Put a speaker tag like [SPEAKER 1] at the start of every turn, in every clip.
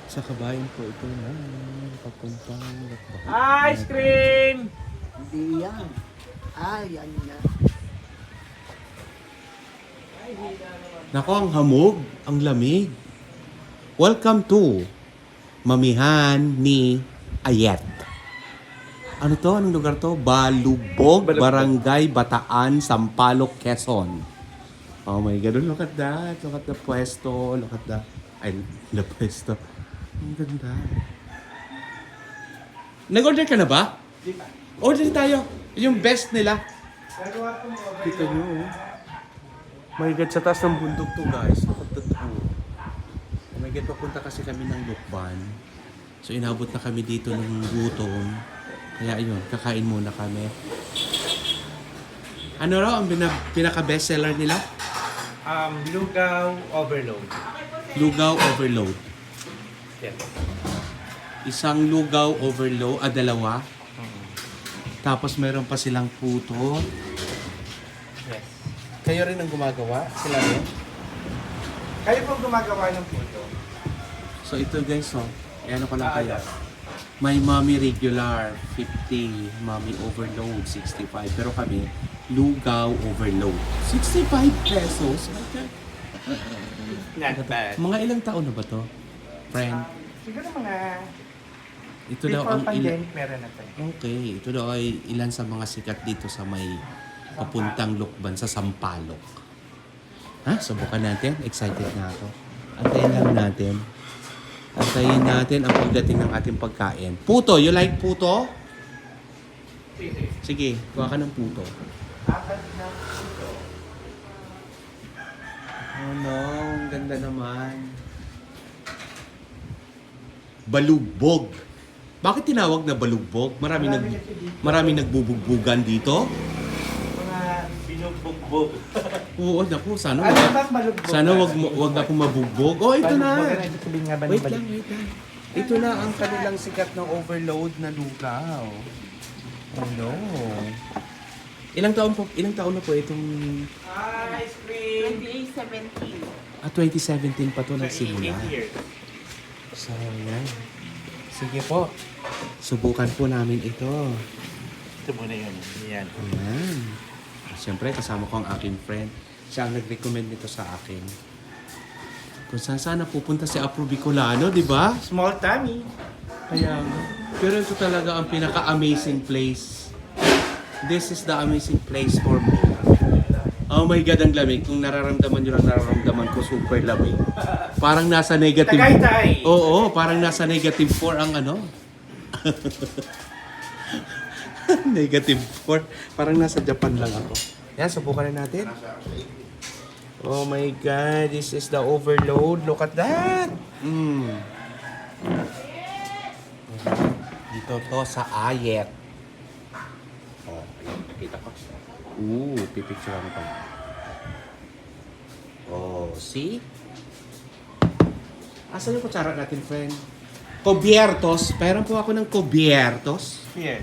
[SPEAKER 1] Sa kabayan po ito na papuntang Lakbak.
[SPEAKER 2] Ice cream!
[SPEAKER 3] Hindi yan. Yan na.
[SPEAKER 1] Nako, ang hamog, ang lamig. Welcome to Mamihan ni Ayet. Ano to? Anong lugar to? Balubog, Barangay Bataan, Sampaloc, Quezon. Oh my God, look at that. Look at the pwesto. Look at the... Ay, the pwesto. Ang ganda. Nag-order ka na ba?
[SPEAKER 2] Di ba?
[SPEAKER 1] Order tayo. Yung best nila.
[SPEAKER 2] Gagawa ko mo over.
[SPEAKER 1] Kita nyo, oh. My God, sa taas ng bundok to, guys. Look at that, oh. Oh my God, papunta kasi kami ng Lukban. So, inabot na kami dito ng gutom. Kaya yun, kakain muna kami. Ano raw ang pinaka-bestseller nila?
[SPEAKER 2] Lugaw overload.
[SPEAKER 1] Lugaw overload.
[SPEAKER 2] Yes.
[SPEAKER 1] Isang lugaw overload, dalawa. Tapos meron pa silang puto.
[SPEAKER 2] Yes.
[SPEAKER 1] Kayo rin ang gumagawa? Sila rin?
[SPEAKER 2] Kayo pong gumagawa ng puto.
[SPEAKER 1] So ito guys, oh. Ano ko lang kaya. May mommy regular, 50. Mommy overload, 65. Pero kami, lugaw overload. 65 pesos? Okay.
[SPEAKER 2] Not bad.
[SPEAKER 1] Mga ilang taon na ba to? Friend?
[SPEAKER 2] Siguro mga
[SPEAKER 1] Ito daw
[SPEAKER 2] before
[SPEAKER 1] ang
[SPEAKER 2] pandemic meron na tayo.
[SPEAKER 1] Okay, ito daw ay ilan sa mga sikat dito sa may papuntang Lukban sa Sampaloc. Ha? Subukan natin. Excited na ako. Antayin lang natin. Antayin natin ang pagdating ng ating pagkain. Puto, you like puto? Sige, kuha ka ng puto.
[SPEAKER 2] Apat na puto.
[SPEAKER 1] Oh no, ang ganda naman. Balugbog. Bakit tinawag na balugbog? Marami nagbubugbugan dito.
[SPEAKER 2] Mga binugbog-bog.
[SPEAKER 1] Oo, naku, sana
[SPEAKER 2] Ano
[SPEAKER 1] wag,
[SPEAKER 2] ba malugbog?
[SPEAKER 1] sana wag na akong mabugbog. Oh, ito na.
[SPEAKER 2] Ito sabihin nga ba ng
[SPEAKER 1] Wait
[SPEAKER 2] balik?
[SPEAKER 1] lang, wait lang. Ito na ang kanilang sikat ng overload na lugaw. Oh no. Ilang taon na po itong
[SPEAKER 2] Ice cream!
[SPEAKER 4] 2817.
[SPEAKER 1] 2017 pa to nagsimula.
[SPEAKER 2] 8 years.
[SPEAKER 1] So, yan. Sige po. Subukan po namin ito.
[SPEAKER 2] Ito muna yun. Yan.
[SPEAKER 1] Ayan. Siyempre, kasama ko ang aking friend. Siya ang nag-recommend nito sa akin. Kung saan sana pupunta si Apro Bicolano, di ba?
[SPEAKER 2] Small tummy.
[SPEAKER 1] Kaya, pero ito talaga ang pinaka-amazing place. This is the amazing place for me. Oh my God, ang lamig. Kung nararamdaman nyo lang, nararamdaman ko super lamig. Parang nasa negative...
[SPEAKER 2] Tagaytay!
[SPEAKER 1] Oo, parang nasa negative 4 ang ano. Negative 4. Parang nasa Japan lang ako. Yan, subukan na natin. Oh my God, this is the overload. Look at that! Dito to sa Ayet. Oh, ayan, nakita ko. Pipicturean ko. Oh, see? Asan yung kutsara natin, friend? Cubiertos. Pairan po ako ng cubiertos.
[SPEAKER 2] Here.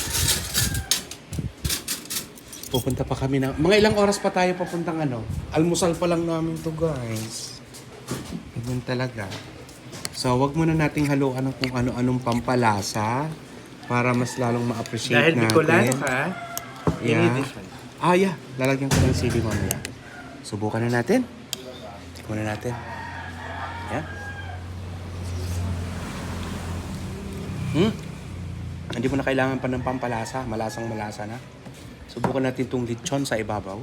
[SPEAKER 1] Pupunta pa kami ng... Mga ilang oras pa tayo papuntang ano? Almusal pa lang namin to, guys. Ganyan talaga. So, wag muna nating haluan ng kung ano-anong pampalasa para mas lalong ma-appreciate
[SPEAKER 2] Dahil
[SPEAKER 1] natin.
[SPEAKER 2] Bicolano ka, you
[SPEAKER 1] Yeah.
[SPEAKER 2] need this one.
[SPEAKER 1] Yeah. Lalagyan ko ng sili mamaya. Subukan na natin. Subukan na natin. Yan. Hindi mo na kailangan pa ng pampalasa. Malasang malasa na. Subukan natin itong lechon sa ibabaw.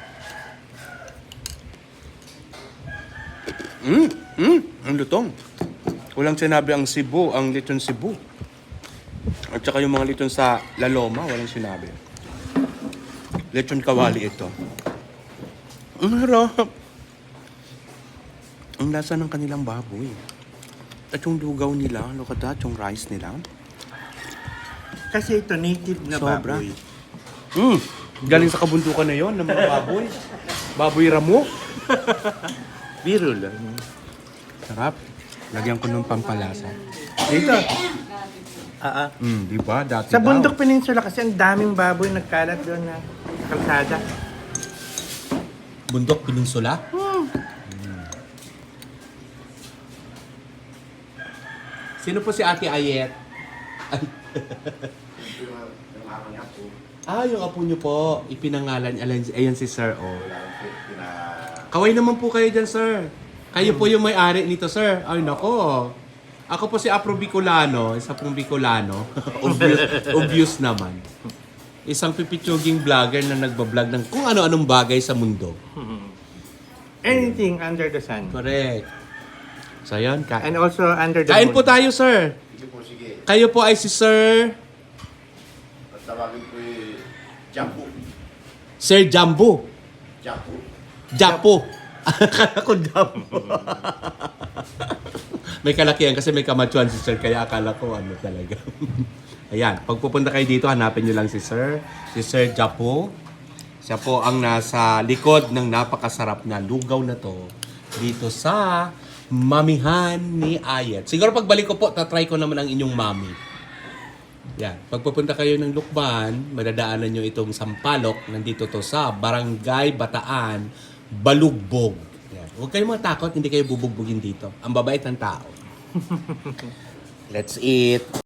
[SPEAKER 1] Ang lutong. Walang sinabi ang Cebu, ang lechon Cebu. At saka yung mga lechon sa La Loma, walang sinabi. Lechon kawali ito. Ang harap. Ang lasa ng kanilang baboy. At yung lugaw nila, look at that, yung rice nila.
[SPEAKER 2] Kasi ito native na
[SPEAKER 1] Sobra.
[SPEAKER 2] baboy.
[SPEAKER 1] Galing sa kabundukan na yon ng mga baboy. Baboy ramo.
[SPEAKER 2] Biro lang.
[SPEAKER 1] Sarap. Lagyan ko ng pampalasa.
[SPEAKER 2] Dito.
[SPEAKER 1] Di ba? Dati
[SPEAKER 2] Sa
[SPEAKER 1] daw.
[SPEAKER 2] Bundok Peninsula kasi ang daming baboy nagkalat doon na kalsada.
[SPEAKER 1] Bundok Peninsula? Sino po si Ate Ayet? Ay. Yung apo niyo po. Ipinangalan. Ayan si Sir, oh. Kaway naman po kayo dyan, Sir. Kayo po yung may-ari nito, Sir. Ay, nako. Ako po si Afro Bicolano. Isa pong Bicolano. obvious naman. Isang pipitsuging vlogger na nagbablog ng kung ano-anong bagay sa mundo.
[SPEAKER 2] Anything under the sun.
[SPEAKER 1] Correct. So, yun.
[SPEAKER 2] And also under the
[SPEAKER 1] Kain
[SPEAKER 2] moon.
[SPEAKER 1] po tayo, Sir.
[SPEAKER 5] Sige po, sige.
[SPEAKER 1] Kayo po ay si Sir...
[SPEAKER 5] At tawagin ko yung Japo.
[SPEAKER 1] Sir Jambo.
[SPEAKER 5] Japo.
[SPEAKER 1] Japo. Akala ko Jambo. May kalakihan kasi may kamatsuan si Sir, kaya akala ko ano talaga. Ayan, pag pupunta kayo dito, hanapin nyo lang si Sir. Si Sir Japo. Siya po ang nasa likod ng napakasarap na lugaw na to dito sa Mamihan ni Ayet. Siguro pagbalik ko po, tatry ko naman ang inyong mami. Yan. Pag pupunta kayo ng Lukban, madadaanan nyo itong Sampalok. Nandito to sa Barangay Bataan, Balugbog. Yan. Huwag kayong matakot, hindi kayo bubugbugin dito. Ang babait ng tao. Let's eat.